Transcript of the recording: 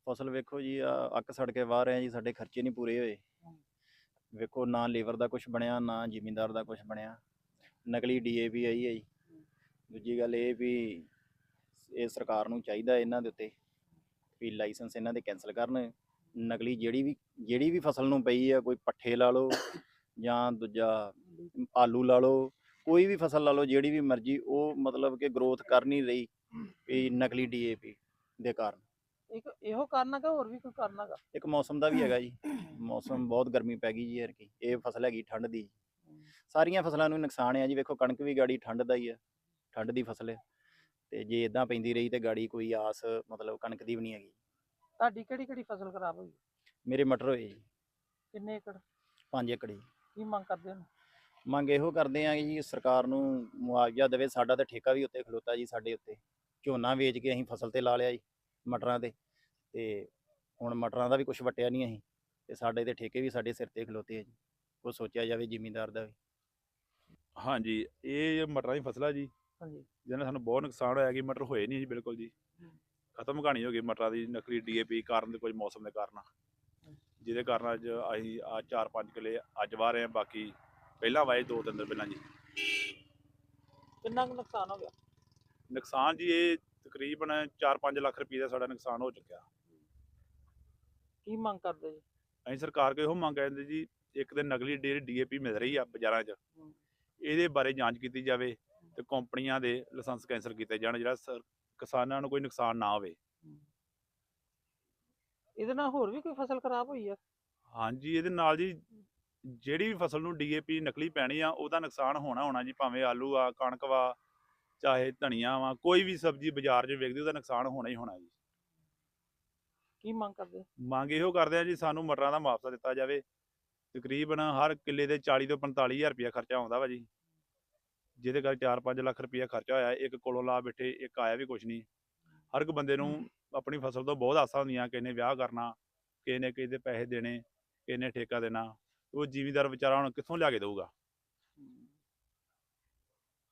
ਫਸਲ ਵੇਖੋ ਜੀ ਅੱਕ ਸੜ ਕੇ ਵਾਹ ਰਹੇ ਜੀ, ਸਾਡੇ ਖਰਚੇ ਨਹੀਂ ਪੂਰੇ ਹੋਏ। ਵੇਖੋ ਨਾ ਲੇਬਰ ਦਾ ਕੁਝ ਬਣਿਆ, ਨਾ ਜ਼ਿਮੀਂਦਾਰ ਦਾ ਕੁਝ ਬਣਿਆ। ਨਕਲੀ ਡੀਏਪੀ ਆਈ ਹੈ ਜੀ। ਦੂਜੀ ਗੱਲ ਇਹ ਵੀ ਇਹ ਸਰਕਾਰ ਨੂੰ ਚਾਹੀਦਾ ਇਹਨਾਂ ਦੇ ਉੱਤੇ ਵੀ ਲਾਇਸੈਂਸ ਇਹਨਾਂ ਦੇ ਕੈਂਸਲ ਕਰਨ। ਨਕਲੀ ਜਿਹੜੀ ਵੀ ਫਸਲ ਨੂੰ ਪਈ ਆ, ਕੋਈ ਪੱਠੇ ਲਾ ਲਓ ਜਾਂ ਦੂਜਾ ਆਲੂ ਲਾ ਲਓ, ਕੋਈ ਵੀ ਫਸਲ ਲਾ ਲਓ, ਜਿਹੜੀ ਵੀ ਮਰਜ਼ੀ, ਉਹ ਮਤਲਬ ਕਿ ਗਰੋਥ ਕਰ ਨਹੀਂ ਰਹੀ ਵੀ ਨਕਲੀ ਡੀਏਪੀ ਦੇ ਕਾਰਨ। ਇੱਕ ਇਹੋ ਕਾਰਨ ਹੈਗਾ, ਹੋਰ ਵੀ ਕੋਈ ਕਾਰਨ ਹੈਗਾ? ਇੱਕ ਮੌਸਮ ਦਾ ਵੀ ਹੈਗਾ ਜੀ। ਮੌਸਮ ਬਹੁਤ ਗਰਮੀ ਪੈ ਗਈ ਜੀ ਐਤਕੀ। ਇਹ ਫਸਲ ਹੈਗੀ ਠੰਡ ਦੀ। ਸਾਰੀਆਂ ਫਸਲਾਂ ਨੂੰ ਨੁਕਸਾਨ ਆ ਜੀ। ਵੇਖੋ ਕਣਕ ਵੀ ਗਾੜੀ ਠੰਡ ਦਾ ਹੀ ਆ, ਠੰਡ ਦੀ ਫਸਲ ਹੈ, ਤੇ ਜੇ ਇਦਾਂ ਪੈਂਦੀ ਰਹੀ ਤੇ ਗਾੜੀ ਕੋਈ ਆਸ ਮਤਲਬ ਕਣਕ ਦੀ ਵੀ ਨਹੀਂ ਹੈਗੀ। ਤੁਹਾਡੀ ਕਿਹੜੀ ਫਸਲ ਖਰਾਬ ਹੋਈ? ਮੇਰੇ ਮਟਰ ਹੋਏ ਜੀ। ਕਿੰਨੇ ਏਕੜ? 5 ਏਕੜ ਜੀ। ਕੀ ਮੰਗ ਕਰਦੇ ਹੋ? ਮੰਗ ਇਹੋ ਕਰਦੇ ਆ ਜੀ ਸਰਕਾਰ ਨੂੰ ਮੁਆਵਜ਼ਾ ਦੇਵੇ। ਸਾਡਾ ਤਾਂ ਠੇਕਾ ਵੀ ਉੱਤੇ ਖਲੋਤਾ ਜੀ, ਸਾਡੇ ਉੱਤੇ ਝੋਨਾ ਵੇਚ ਕੇ ਅਸੀਂ ਫਸਲ ਤੇ ਲਾ ਲਿਆ ਜੀ, ਮਟਰਾਂ ਤੇ ਹੁਣ ਮਟਰਾਂ ਦਾ ਵੀ ਕੁਝ ਵਟਿਆ ਨਹੀਂ ਅਸੀਂ, ਤੇ ਸਾਡੇ ਤੇ ਠੇਕੇ ਵੀ ਸਾਡੇ ਸਿਰ ਤੇ ਖਲੋਤੇ ਆ ਜੀ। ਉਹ ਸੋਚਿਆ ਜਾਵੇ ਜ਼ਿਮੀਂਦਾਰ ਦਾ ਵੀ। ਹਾਂਜੀ, ਇਹ ਮਟਰਾਂ ਦੀ ਫਸਲ ਆ ਜੀ, ਹਾਂਜੀ, ਜਿਹਨਾਂ ਸਾਨੂੰ ਬਹੁਤ ਨੁਕਸਾਨ ਹੋਇਆ ਕਿ ਮਟਰ ਹੋਏ ਨਹੀਂ ਜੀ ਬਿਲਕੁਲ ਜੀ। ਖਤਮ ਕਹਾਣੀ ਹੋ ਗਈ ਮਟਰਾਂ ਦੀ ਨਕਲੀ ਡੀਏਪੀ ਕਾਰਨ ਤੇ ਕੁਝ ਮੌਸਮ ਦੇ ਕਾਰਨ, ਜਿਹਦੇ ਕਾਰਨ ਅੱਜ ਅਸੀਂ ਆ 4-5 ਕਿੱਲੇ ਅੱਜ ਵਾਹ ਰਹੇ ਹਾਂ। ਬਾਕੀ ਪਹਿਲਾਂ ਵਾਏ 2-3 ਦਿਨ ਪਹਿਲਾਂ ਜੀ। ਕਿੰਨਾ ਕੁ ਨੁਕਸਾਨ ਹੋ ਗਿਆ? ਨੁਕਸਾਨ ਜੀ ਇਹ ਤਕਰੀਬਨ 4-5 ਲੱਖ ਰੁਪਏ ਦਾ ਸਾਡਾ ਨੁਕਸਾਨ ਹੋ ਚੁੱਕਿਆ। ਕੀ ਮੰਗ ਕਰਦੇ ਜੀ? ਅਸੀਂ ਸਰਕਾਰ ਕੋਲ ਇਹੋ ਮੰਗ ਕਰਦੇ ਜੀ, ਇੱਕ ਤਾਂ ਨਕਲੀ ਡੀਏਪੀ ਮਿਲ ਰਹੀ ਆ ਬਾਜ਼ਾਰਾਂ 'ਚ, ਇਹਦੇ ਬਾਰੇ ਜਾਂਚ ਕੀਤੀ ਜਾਵੇ ਤੇ ਕੰਪਨੀਆਂ ਦੇ ਲਾਇਸੈਂਸ ਕੈਂਸਲ ਕੀਤੇ ਜਾਣ, ਜਿਹੜਾ ਕਿਸਾਨਾਂ ਨੂੰ ਕੋਈ ਨੁਕਸਾਨ ਨਾ ਹੋਵੇ। ਇਹਦੇ ਨਾਲ ਹੋਰ ਵੀ ਕੋਈ ਫਸਲ ਖਰਾਬ ਹੋਈ ਆ? ਹਾਂਜੀ, ਇਹਦੇ ਨਾਲ ਜੀ ਜਿਹੜੀ ਵੀ ਫਸਲ ਨੂੰ ਡੀਏਪੀ ਨਕਲੀ ਪੈਣੀ ਆ, ਉਹਦਾ ਨੁਕਸਾਨ ਹੋਣਾ ਜੀ। ਭਾਵੇਂ ਆਲੂ ਆ, ਕਣਕ ਵਾ, ਚਾਹੇ ਧਨੀਆ ਵਾ, ਕੋਈ ਵੀ ਸਬਜ਼ੀ ਬਾਜ਼ਾਰ 'ਚ ਵਿਕਦੀ, ਉਹਦਾ ਨੁਕਸਾਨ ਹੋਣਾ ਹੀ ਹੋਣਾ ਜੀ। ਕੀ ਮੰਗ ਕਰਦੇ? ਮੰਗ ਇਹੋ ਕਰਦੇ ਆ ਜੀ, ਸਾਨੂੰ ਮਟਰਾਂ ਦਾ ਮੁਆਵਜ਼ਾ ਦਿੱਤਾ ਜਾਵੇ। ਤਕਰੀਬਨ ਹਰ ਕਿੱਲੇ ਦੇ 40 ਤੋਂ 45 ਹਜ਼ਾਰ ਰੁਪਇਆ ਖਰਚਾ ਆਉਂਦਾ ਵਾ ਜੀ, ਜਿਹਦੇ ਕਰਕੇ 4-5 ਲੱਖ ਰੁਪਇਆ ਖਰਚਾ ਹੋਇਆ। ਇੱਕ ਕੋਲੋਂ ਲਾ ਬੈਠੇ, ਇੱਕ ਆਇਆ ਵੀ ਕੁਛ ਨਹੀਂ। ਹਰ ਇੱਕ ਬੰਦੇ ਨੂੰ ਆਪਣੀ ਫਸਲ ਤੋਂ ਬਹੁਤ ਆਸਾਂ ਹੁੰਦੀਆਂ। ਕਿਸੇ ਨੇ ਵਿਆਹ ਕਰਨਾ, ਕਿਸੇ ਨੇ ਕਿਸੇ ਦੇ ਪੈਸੇ ਦੇਣੇ, ਕਿਸੇ ਨੇ ਠੇਕਾ ਦੇਣਾ। ਉਹ ਜ਼ਿਮੀਂਦਾਰ ਵਿਚਾਰਾ ਹੁਣ ਕਿੱਥੋਂ ਲਿਆ ਕੇ ਦੇਊਗਾ?